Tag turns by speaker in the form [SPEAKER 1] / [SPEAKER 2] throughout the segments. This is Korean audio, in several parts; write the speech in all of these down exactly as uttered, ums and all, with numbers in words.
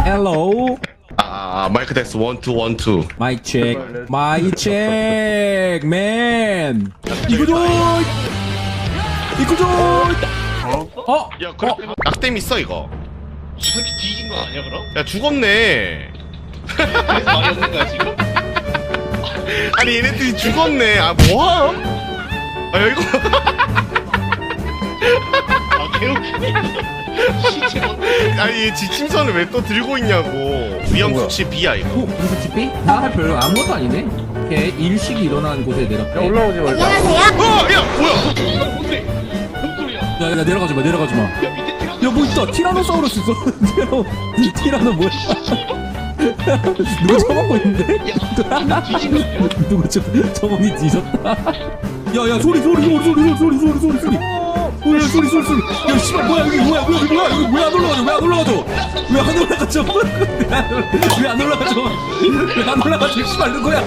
[SPEAKER 1] 헬로.
[SPEAKER 2] 아 마이크 테스트 원투 원투.
[SPEAKER 1] 마이크 체크. 마이크 체크. 맨. 이거죠. 이거죠. 어?
[SPEAKER 2] 야 그래 낙댐 있어 이거.
[SPEAKER 3] 저렇게 뒤진 거 아니야 그럼?
[SPEAKER 2] 야 죽었네.
[SPEAKER 3] 그래서 말이 없는 거야 지금?
[SPEAKER 2] 아니 얘네들이 죽었네. 아 뭐함? 아 이거
[SPEAKER 3] 아 개웃기네. 시체 막
[SPEAKER 2] 아니 얘 지침선을 왜 또 들고 있냐고. 위험 수치 B야 이거.
[SPEAKER 1] 어? 무슨 집이? 나 별로 아무것도 아니네. 오케이. 일식이 일어나는 곳에 내렸대.
[SPEAKER 4] 야, 올라오지 말자.
[SPEAKER 2] 어, 야 뭐야?
[SPEAKER 3] 뭔데? 뭔 소리야?
[SPEAKER 1] 야, 야, 내려가지 마, 내려가지 마.
[SPEAKER 3] 야 밑에 티라.
[SPEAKER 1] 야, 뭐 있다. 티라노사우루스 있어. 티라노, 이 티라노 뭐야? 누가 처먹고 있는데?
[SPEAKER 3] 야 뒤진 거 아니야?
[SPEAKER 1] 누가 저, 저분이 뒤졌다. 야, 야, 소리, 소리, 소리, 소리, 소리, 소리, 소리, 소리. 어, 야, 소리, 소리, 소리. 야, 씨발, 뭐야, 여기 뭐야, 여기 뭐야, 여기 왜 안 올라가죠? 왜 안 올라가죠? 왜 안 올라가죠? 왜 안 올라가죠? 왜 안 올라가죠? 씨발, 누구야?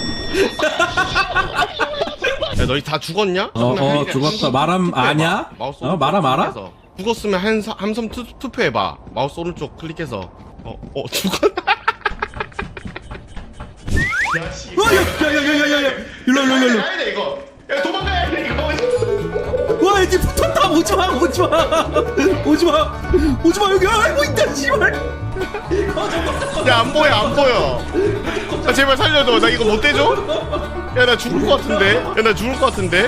[SPEAKER 2] 야 너희 다 죽었냐?
[SPEAKER 1] 어, 어, 죽었다. 마람 아냐?
[SPEAKER 2] 마우스
[SPEAKER 1] 어, 마람 알아?
[SPEAKER 2] 클릭해서. 죽었으면 한 함성 투, 투표해봐. 마우스 오른쪽 클릭해서. 어, 어 죽었.
[SPEAKER 3] 야 씨.
[SPEAKER 1] 어, 야, 야, 야, 야, 야, 야, 일로, 일로, 일로, 일로.
[SPEAKER 2] 가야 돼 이거. 야 도망가야 돼 이거.
[SPEAKER 1] 와, 이제 붙었다. 오지 마, 오지 마, 오지 마, 오지 마. 여기 알고 있다, 씨발.
[SPEAKER 2] 야 안 보여 안 보여. 아, 제발 살려줘. 나 이거 못 대줘? 야 나 죽을 것 같은데. 야 나 죽을 것 같은데.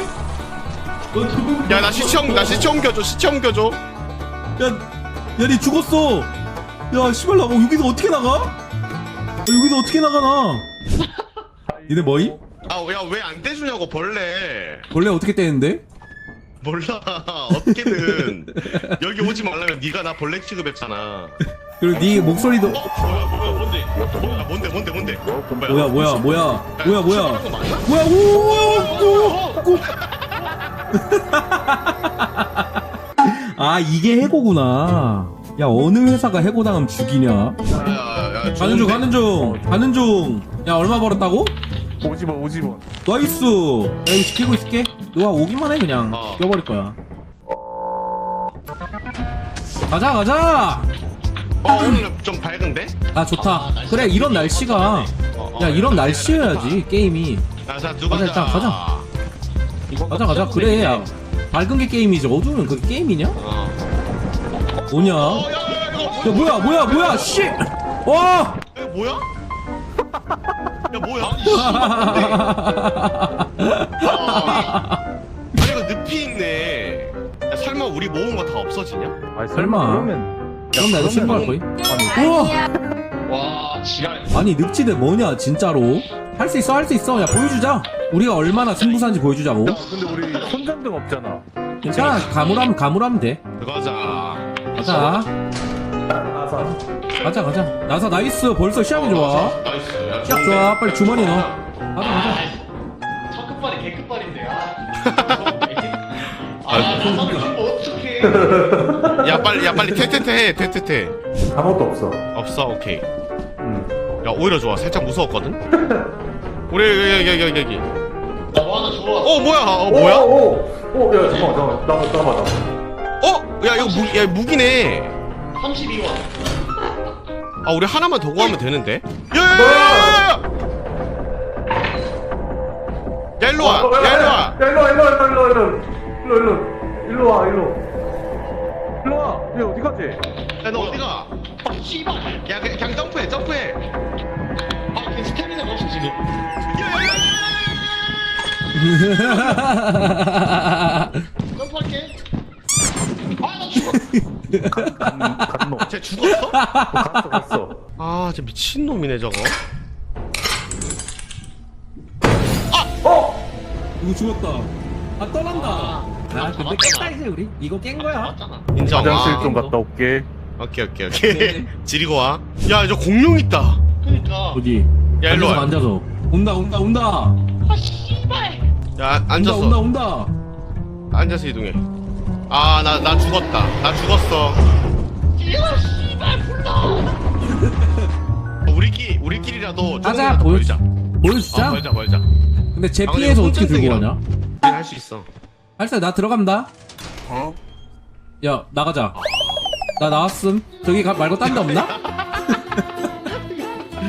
[SPEAKER 2] 야 나 시청 나 시청 옮겨줘. 시청 옮겨줘.
[SPEAKER 1] 야, 야, 니 죽었어. 야, 씨발, 나 여기서 어떻게 나가? 야, 여기서 어떻게 나가나? 니네 뭐임?
[SPEAKER 2] 아야 왜 안 떼주냐고 벌레.
[SPEAKER 1] 원래 어떻게 떼는데?
[SPEAKER 2] 몰라 어떻게든 여기 오지 말라면 네가 나 벌레 취급했잖아.
[SPEAKER 1] 그리고 니 목소리도
[SPEAKER 2] 어 뭐야 뭐야 뭔데? 뭐야 뭔데 뭔데 뭔데?
[SPEAKER 1] 뭐야, 뭐야, 뭐야, 뭐야, 뭐야,
[SPEAKER 2] 거 맞나?
[SPEAKER 1] 뭐야, 오오오오. 아, 이게 해고구나. 야, 어느 회사가 해고당하면 죽이냐?
[SPEAKER 2] 야야야
[SPEAKER 1] 가는 중, 가는 중, 가는 중. 야, 얼마 벌었다고?
[SPEAKER 4] 오십 원, 오십 원.
[SPEAKER 1] 나이스. 야, 이거 지키고 있을게. 너가 오기만 해, 그냥.
[SPEAKER 2] 어.
[SPEAKER 1] 뛰어버릴 거야. 가자, 가자.
[SPEAKER 2] 어 오늘 좀 밝은데?
[SPEAKER 1] 아, 좋다.
[SPEAKER 3] 아, 날씨가
[SPEAKER 1] 그래, 이런 날씨가.
[SPEAKER 2] 어, 어,
[SPEAKER 1] 야, 이런
[SPEAKER 2] 야,
[SPEAKER 1] 날씨여야지, 게임이.
[SPEAKER 2] 야자 누가
[SPEAKER 1] 가자, 일단 가자. 가자, 가자. 그래, 야. 밝은 게 게임이지. 어두우면 그게 게임이냐?
[SPEAKER 2] 어.
[SPEAKER 1] 뭐냐?
[SPEAKER 2] 어,
[SPEAKER 1] 야,
[SPEAKER 2] 야, 야, 이거
[SPEAKER 1] 뭐야, 뭐야, 뭐야, 씨! 와!
[SPEAKER 2] 야, 뭐야? 야, 뭐야? 아니, 이거 늪이 있네. 야, 설마 우리 모은 거 다 없어지냐?
[SPEAKER 4] 아니,
[SPEAKER 1] 설마.
[SPEAKER 4] 그러면.
[SPEAKER 1] 그럼 나도 신고할 거임? 우와!
[SPEAKER 3] 와 지랄.
[SPEAKER 1] 아니, 늪지대 뭐냐, 진짜로? 할 수 있어, 할 수 있어. 야, 보여주자. 우리가 얼마나 승부사인지 보여주자고.
[SPEAKER 4] 야, 근데 우리 손전등 없잖아.
[SPEAKER 1] 괜찮아, 가물하면, 가물하면 돼.
[SPEAKER 2] 들어가자.
[SPEAKER 1] 가자.
[SPEAKER 4] 나사.
[SPEAKER 1] 가자, 가자. 나사 나이스. 벌써 시작이 좋아.
[SPEAKER 2] 나이스. 야,
[SPEAKER 1] 시작
[SPEAKER 2] 좋은데?
[SPEAKER 1] 좋아. 빨리 주머니 넣어. 가자, 가자.
[SPEAKER 3] 첫 끝발이 개 끝발인데. 아. 아 나사를 주면 어떡해.
[SPEAKER 2] 야, 빨리, 야, 빨리 퇴퇴퇴 해, 퇴퇴퇴.
[SPEAKER 4] 아무것도 없어.
[SPEAKER 2] 없어, 오케이.
[SPEAKER 4] 응.
[SPEAKER 2] 야, 오히려 좋아. 살짝 무서웠거든? 우리, 여기, 여기, 여기, 여기.
[SPEAKER 3] 나뭐 하나 줘.
[SPEAKER 2] 어, 뭐야? 어, 뭐야?
[SPEAKER 4] 오, 오, 오, 야, 잠깐만, 잠깐만. 나, 나, 나, 나.
[SPEAKER 2] 어? 야, 이거 무, 야, 무기네.
[SPEAKER 3] 삼십이 원.
[SPEAKER 2] 아, 우리 하나만 더 구하면 되는데? 야, 야, 야, 야, 야! 야, 일로 와.
[SPEAKER 4] 어,
[SPEAKER 2] 야, 일로 와.
[SPEAKER 4] 야, 일로 와, 일로 와, 일로 와, 일로 와. 일로, 일로. 일로 와, 일로. 일로 와. 얘 어디 갔지?
[SPEAKER 2] 야, 너 어디가?
[SPEAKER 3] 아 씨발.
[SPEAKER 2] 야, 그냥, 그냥 점프해, 점프해.
[SPEAKER 3] 아 걔 스태미나가 없어 지금. 점프할게. 아나 죽어.
[SPEAKER 4] 간, 간노.
[SPEAKER 2] 쟤 죽었어?
[SPEAKER 4] 갔어, 갔어.
[SPEAKER 2] 아, 쟤 미친놈이네, 저거.
[SPEAKER 4] 어!
[SPEAKER 1] 이거 죽었다. 아, 떠난다. 아, 근데 깼다, 이제 우리. 이거 깬 거야.
[SPEAKER 3] 맞잖아.
[SPEAKER 2] 인정.
[SPEAKER 4] 화장실
[SPEAKER 2] 아,
[SPEAKER 4] 좀 갔다 올게.
[SPEAKER 2] 오케이, 오케이, 오케이. 지리고 와. 야, 저 공룡 있다.
[SPEAKER 3] 그니까.
[SPEAKER 1] 어디?
[SPEAKER 2] 야, 일로
[SPEAKER 1] 앉아서,
[SPEAKER 2] 와.
[SPEAKER 1] 앉아서. 온다, 온다, 온다.
[SPEAKER 3] 아 씨발.
[SPEAKER 2] 야,
[SPEAKER 1] 온다,
[SPEAKER 2] 앉았어.
[SPEAKER 1] 온다, 온다.
[SPEAKER 2] 앉아서 이동해. 아, 나, 나 죽었다. 나 죽었어.
[SPEAKER 3] 이거 씨발 불러.
[SPEAKER 2] 우리끼리, 우리끼리라도
[SPEAKER 1] 가자,
[SPEAKER 2] 조금이라도
[SPEAKER 1] 보여주자.
[SPEAKER 2] 벌자.
[SPEAKER 1] 보여주자.
[SPEAKER 2] 어, 벌자, 벌자.
[SPEAKER 1] 근데 제
[SPEAKER 2] 아, 근데
[SPEAKER 1] 피해서
[SPEAKER 2] 이거
[SPEAKER 1] 어떻게 들고
[SPEAKER 2] 손전등이라.
[SPEAKER 1] 가냐?
[SPEAKER 2] 할 수 있어.
[SPEAKER 1] 할사 나 들어간다.
[SPEAKER 4] 어?
[SPEAKER 1] 야, 나가자. 나 나왔음. 저기 가, 말고 딴 데 없나?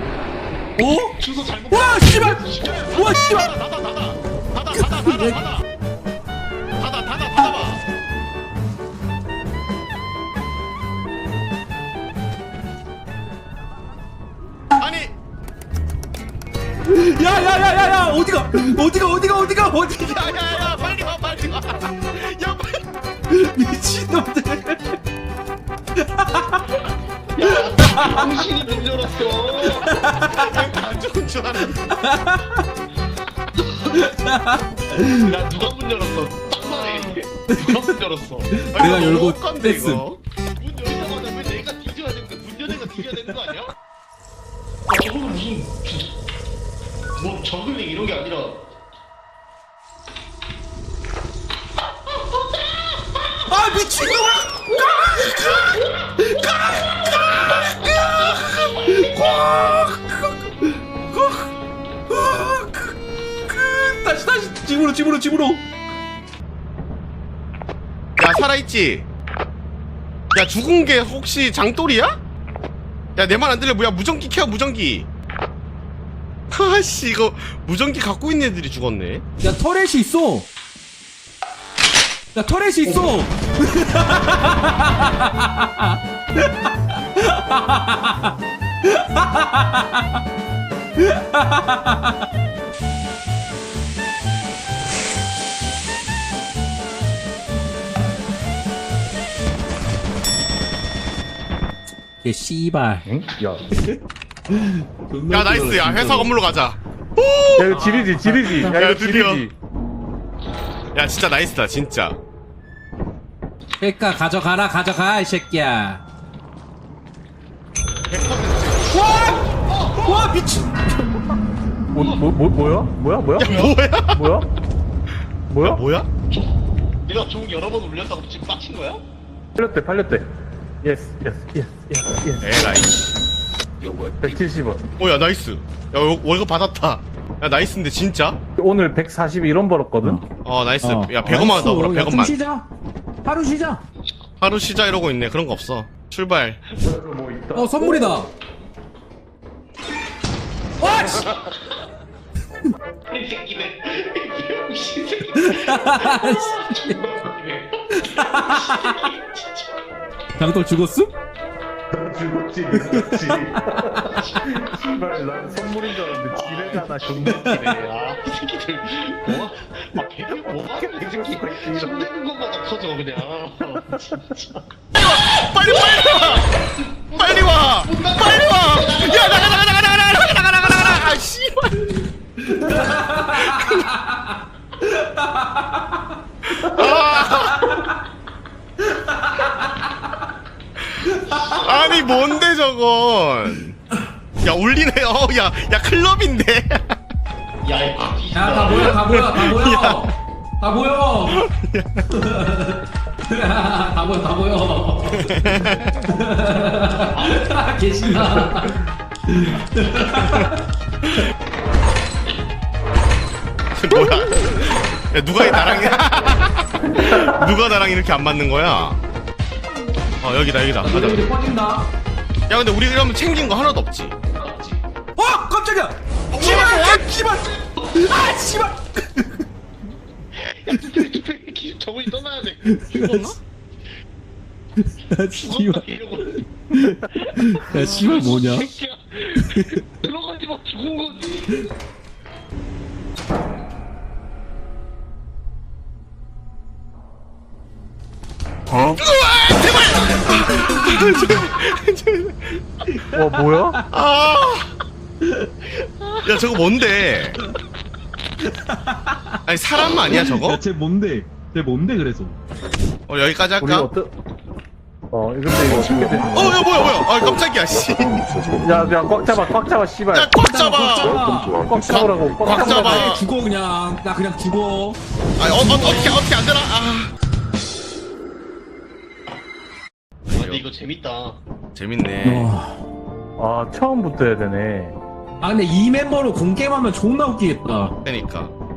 [SPEAKER 1] 어?
[SPEAKER 3] 주소 잘못.
[SPEAKER 1] 와 씨발! 와 씨발!
[SPEAKER 2] 닫아 닫아 닫아 닫아 닫아 닫아 닫아 닫아 닫아봐. 아니
[SPEAKER 1] 야야야야야 어디가 어디가 어디가 어디가 어디가
[SPEAKER 2] 야야야 빨리 와 빨리 와. 야 빨리.
[SPEAKER 1] 미친놈들.
[SPEAKER 3] 야, 당신이 문 열었어.
[SPEAKER 2] 안 좋은 줄 알았네.
[SPEAKER 3] 야, 누가 문 열었어? 딱 말해. 누가 문 열었어?
[SPEAKER 2] 아니,
[SPEAKER 1] 내가
[SPEAKER 2] 이거
[SPEAKER 1] 열고
[SPEAKER 2] 너무 헛간데,
[SPEAKER 1] 뺐음.
[SPEAKER 2] 이거.
[SPEAKER 3] 문 열자마자 왜 내가 뒤져야 되는 거야? 문 여는 거 뒤져야 되는 거 아니야? 아, 저거는 무슨 뭐 저글링 이런 게 아니라.
[SPEAKER 1] 아 미친놈! 다시 다시 집으로 집으로 집으로.
[SPEAKER 2] 야 살아있지? 야 죽은 게 혹시 장돌이야? 야 내 말 안 들려. 뭐야 무전기 켜 무전기. 아씨 이거 무전기 갖고 있는 애들이 죽었네.
[SPEAKER 1] 야 터렛이 있어. 야 터렛이 있어. 얘 씨발.
[SPEAKER 4] 응? 야.
[SPEAKER 2] 야 나이스. 야 회사 건물로 가자.
[SPEAKER 4] 야 이거 지리지 지리지. 야
[SPEAKER 2] 야,
[SPEAKER 4] 이거
[SPEAKER 2] 드디어.
[SPEAKER 4] 지리지.
[SPEAKER 2] 야 진짜 나이스다 진짜.
[SPEAKER 1] 그러니까 가져가라 가져가 이 새끼야. 와! 와 미친.
[SPEAKER 4] 뭐, 뭐, 뭐, 뭐야? 뭐야? 뭐야?
[SPEAKER 2] 뭐야?
[SPEAKER 4] 뭐야? 뭐야?
[SPEAKER 2] 뭐야?
[SPEAKER 3] 내가 종 여러 번 울렸다고 지금 빡친 거야?
[SPEAKER 4] 팔렸대 팔렸대. 예스 예스 예스 예스 예스.
[SPEAKER 2] 에라이.
[SPEAKER 4] 백칠십 원.
[SPEAKER 2] 오야 나이스. 야 월- 월급 받았다. 야 나이스인데 진짜?
[SPEAKER 4] 오늘 백사십일 원 벌었거든.
[SPEAKER 2] 어 나이스. 야 백 원만 더 벌어. 백 원만.
[SPEAKER 1] 쉬자. 하루 쉬자.
[SPEAKER 2] 하루 쉬자 이러고 있네. 그런 거 없어. 출발.
[SPEAKER 4] 뭐 있다.
[SPEAKER 1] 어 선물이다. 와 씨.
[SPEAKER 3] 이 새끼네. 이 새끼네.
[SPEAKER 1] 장돌 죽었음?
[SPEAKER 4] 죽었지 죽었지. 씨발 난 선물인 줄 알았는데 지뢰잖아
[SPEAKER 3] 존나기네. 아, 이 새끼들 뭐? 아, 배를 뭐 하는 이 새끼. 손 내는 것마다 커져 그냥. 진짜.
[SPEAKER 2] 빨리 빨리 와. 빨리 와. 빨리 와. 야 나가 나가 나가 나가 나가 나가 나가 나가 나가. 아 씨발. 아. 아니 뭔데 저건. 야 울리네. 어야야 클럽인데.
[SPEAKER 3] 야, 이
[SPEAKER 1] 야 다 모여 다 모여 다 모여. 다 모여. 다 모여 다 모여. 계시나?
[SPEAKER 2] 뭐야? 야 누가 이 나랑 누가 나랑 이렇게 안 맞는 거야? 어 여기다 여기다. 가자.
[SPEAKER 1] 이제 퍼진다.
[SPEAKER 2] 야 근데 우리 그러면 챙긴 거 하나도 없지.
[SPEAKER 1] 어 깜짝이야. 씨발 아 씨발. 아 씨발.
[SPEAKER 3] 저분이 떠나야 돼. 죽었나?
[SPEAKER 1] 아
[SPEAKER 3] 죽었나?
[SPEAKER 1] 씨발.
[SPEAKER 3] 이러고.
[SPEAKER 1] 야 씨발 뭐냐?
[SPEAKER 3] 새끼야. 들어가지 마. 죽은 거지.
[SPEAKER 4] 와 뭐야?
[SPEAKER 2] 아. 야 저거 뭔데? 아니 사람 아니야 저거?
[SPEAKER 1] 야쟤 뭔데? 쟤 뭔데 그래서?
[SPEAKER 2] 어 여기까지
[SPEAKER 4] 우리
[SPEAKER 2] 할까?
[SPEAKER 4] 어떠 어 근데 이거 쉽게 돼.
[SPEAKER 2] 어, 야, 뭐야, 뭐야. 아, 깜짝이야, 씨.
[SPEAKER 4] 야, 야, 꽉 잡아, 꽉 잡아, 씨발.
[SPEAKER 2] 야, 꽉 잡아.
[SPEAKER 4] 꽉 잡으라고.
[SPEAKER 2] 꽉
[SPEAKER 4] 꽉
[SPEAKER 2] 잡아.
[SPEAKER 1] 나 죽어 그냥. 나 그냥 죽어.
[SPEAKER 2] 아, 어, 어, 어떻게, 어떻게 안 되나? 아.
[SPEAKER 3] 아, 근데 이거 재밌다.
[SPEAKER 2] 재밌네.
[SPEAKER 1] 어.
[SPEAKER 4] 아, 처음부터 해야 되네.
[SPEAKER 1] 아 근데 이 멤버로 공게임하면 존나 웃기겠다.
[SPEAKER 2] 그러니까.